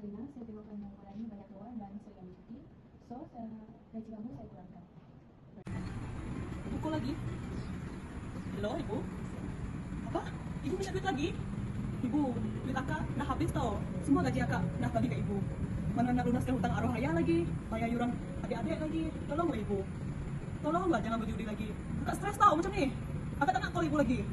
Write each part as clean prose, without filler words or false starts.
Kalina, saya tengok kamu mengurangi banyak keluar dan sering cuti. So, gaji kamu saya kurangkan. Pukul lagi? Hello, Ibu? Apa? Ibu minta duit lagi? Ibu, duit akak dah habis tau. Semua gaji akak dah bagi ke Ibu. Mana nak lunaskan hutang arwah ayah lagi, bayar yuran adik-adik lagi. Tolonglah Ibu. Tolonglah, jangan berjudi lagi. Akak stres tau macam ni. Akak tak nak call Ibu lagi.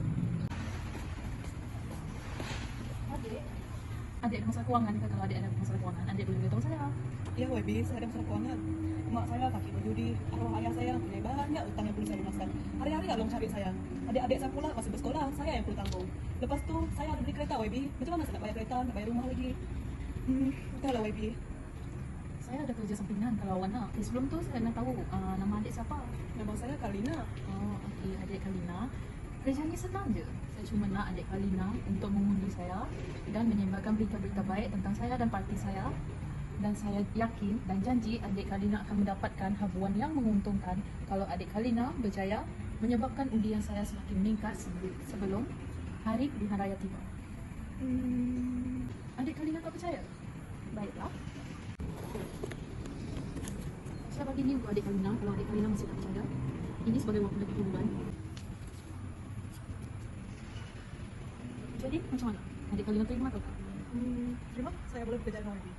Adik ada masalah kewangan ke? Kalau adik ada masalah kewangan, adik boleh beritahu saya. Ya, YB, saya ada masalah kewangan. Mak saya kaki berjudi, arwah ayah saya punya banyak utang yang perlu saya lunaskan. Hari-hari Along cari saya. Adik-adik saya pula masih bersekolah, saya yang perlu tanggung. Lepas tu, saya ada beli kereta YB. Macam mana saya nak bayar kereta, nak bayar rumah lagi? Entahlah YB. Saya ada kerja sampingan kalau awak nak. Sebelum tu saya nak tahu nama adik siapa. Nama saya Kalina. Oh, okey, adik Kalina. Kerjanya senang je. Saya cuma nak adik Kalina untuk mengundi saya dan menyebarkan berita-berita baik tentang saya dan parti saya. Dan saya yakin dan janji adik Kalina akan mendapatkan habuan yang menguntungkan kalau adik Kalina berjaya menyebabkan undian saya semakin meningkat sebelum hari pilihan raya tiba. Adik Kalina tak percaya? Baiklah. Saya bagi ni untuk adik Kalina kalau adik Kalina masih tak percaya. Ini sebagai waktu lagi bulan. Jadi macam mana? Adik Kalina terima atau tak? Terima, saya boleh bekerja dengan YB.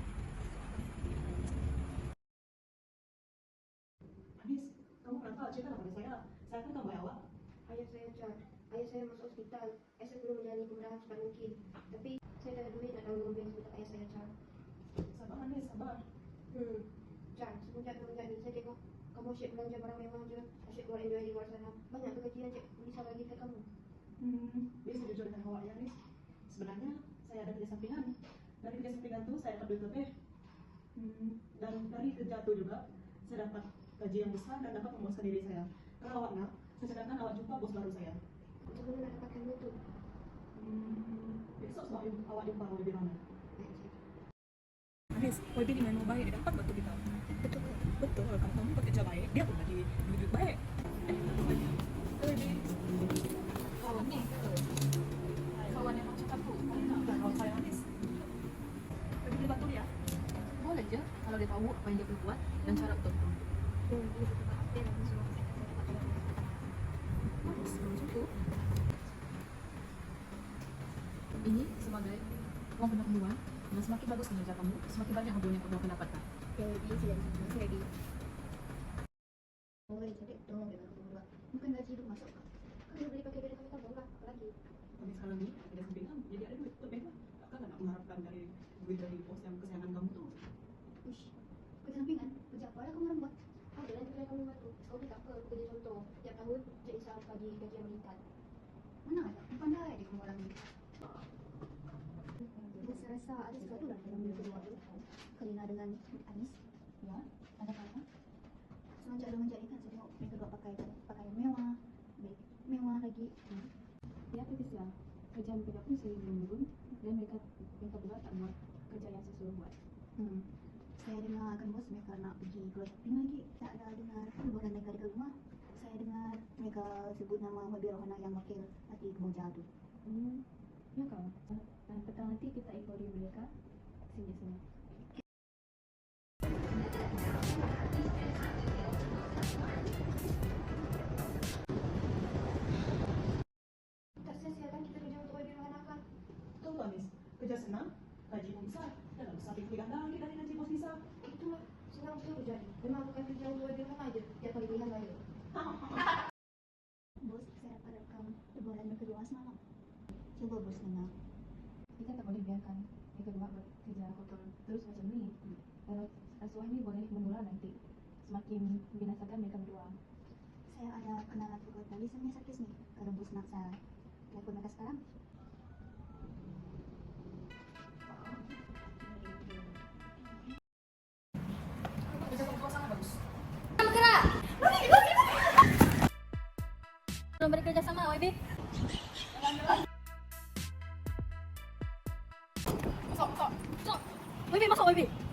Habis, kamu kenapa ceritalah pada saya? Saya akan tambah awak. Ayah saya cat. Ayah saya masuk hospital. Ayah saya perlu menjalani pembedahan secepat mungkin. Tapi saya tak ada duit nak tanggung bil sebentar ayah saya cat. Sabar Anis, sabar. Cat, semenjak ni saya tengok kamu asyik belanja barang mewah je. Asyik keluar enjoy di luar sana. Banyak ke gaji yang cik bisa bagi kat kamu? Biasa jujur dengan awak ya Anis. Sebenarnya saya ada kerja sampingan. Dari kerja sampingan tu saya dapat duit lebih. Dan dari kerja tu juga saya dapat gaji yang besar dan dapat memuaskan diri saya. Kalau awak nak, saya cadangkan awak jumpa bos baru saya. Macam mana nak dapatkan duit tu? Besok sebab awak jumpa YB mana? Baik, cik. Anis, YB ni memang baik, dia dapat bantu kita. Betul ke? Betul, kalau kamu bekerja baik, dia pun bagi duit baik. YB. Kawan ni ke? Kawan yang macam aku? Kalau saya Anis, YB boleh bantu dia. Boleh je kalau dia tahu apa yang dia perlu buat dan cara untuk itu. Dia betul tak update lagi semua. Macam tu. Ini sebagai wang pengakuan dan semakin bagus kinerja kamu, semakin banyak habuan yang kamu akan dapatkan. Yang lebih sila. Terima kasih. Boleh jadi tolong dia bantu buat. Bukan gaji hidup masuk. Kalau dia boleh pakai duit kami tabung lah. Apa lagi? Tapi sekarang ni ada sampingan, jadi ada duit lebih lah. Takkan nak mengharapkan dari duit dari bos yang kesayangan kamu tu. Uish, kerja sampingan? Kerja apa lah kamu orang buat? Ada lah kerja kamu bantu. Kau tak apa, aku kerja contoh. Tiap tahun, Cik Isam bagi gaji yang meningkat. Mana ada? Pandai dia kamu orang ni. Saya rasa ada sesuatu lah dalam mereka dua tu. Kalina dengan Anis. Ya, ada apa? Semenjak ni kan saya tengok mereka dua pakai pakaian mewah, beg mewah lagi. Ya, tapi siang. Kerjaan mereka pun sering menurun dan mereka pula tak buat kerja yang saya suruh buat. Saya dengar kan bos mereka nak pergi keluar shopping lagi. Tak ada dengar bukan mereka dekat rumah. Saya dengar mereka sebut nama Wabi Rohana yang wakil hati Keboja tu. Ya kau. Dan petang nanti kita ikori mereka sini-sini. Tak sia-sia kan kita kerja untuk Wabi Rohana kan? Betul tu Anis, kerja senang, gaji pun besar. Dan besar lebih ganda lagi dari gaji bos Nisa. Itulah, senang betul jadi. Memang bukan kerja untuk Wabi Rohana je. Tiap kali pilihan raya. Bos, saya dapat rekam perbualan mereka dua semalam. Cuba bos dengar. Kita tak boleh biarkan mereka dua bekerja kotor terus macam ni. Kalau rasuah ni boleh bermula nanti. Semakin membinasakan mereka berdua. Saya ada kenalan tukar tali sama sakit ni. Kalau bos nak saya telepon mereka sekarang. Kerja kau sangat bagus. Belum bekerja sama, YB. Masuk. YB, masuk YB.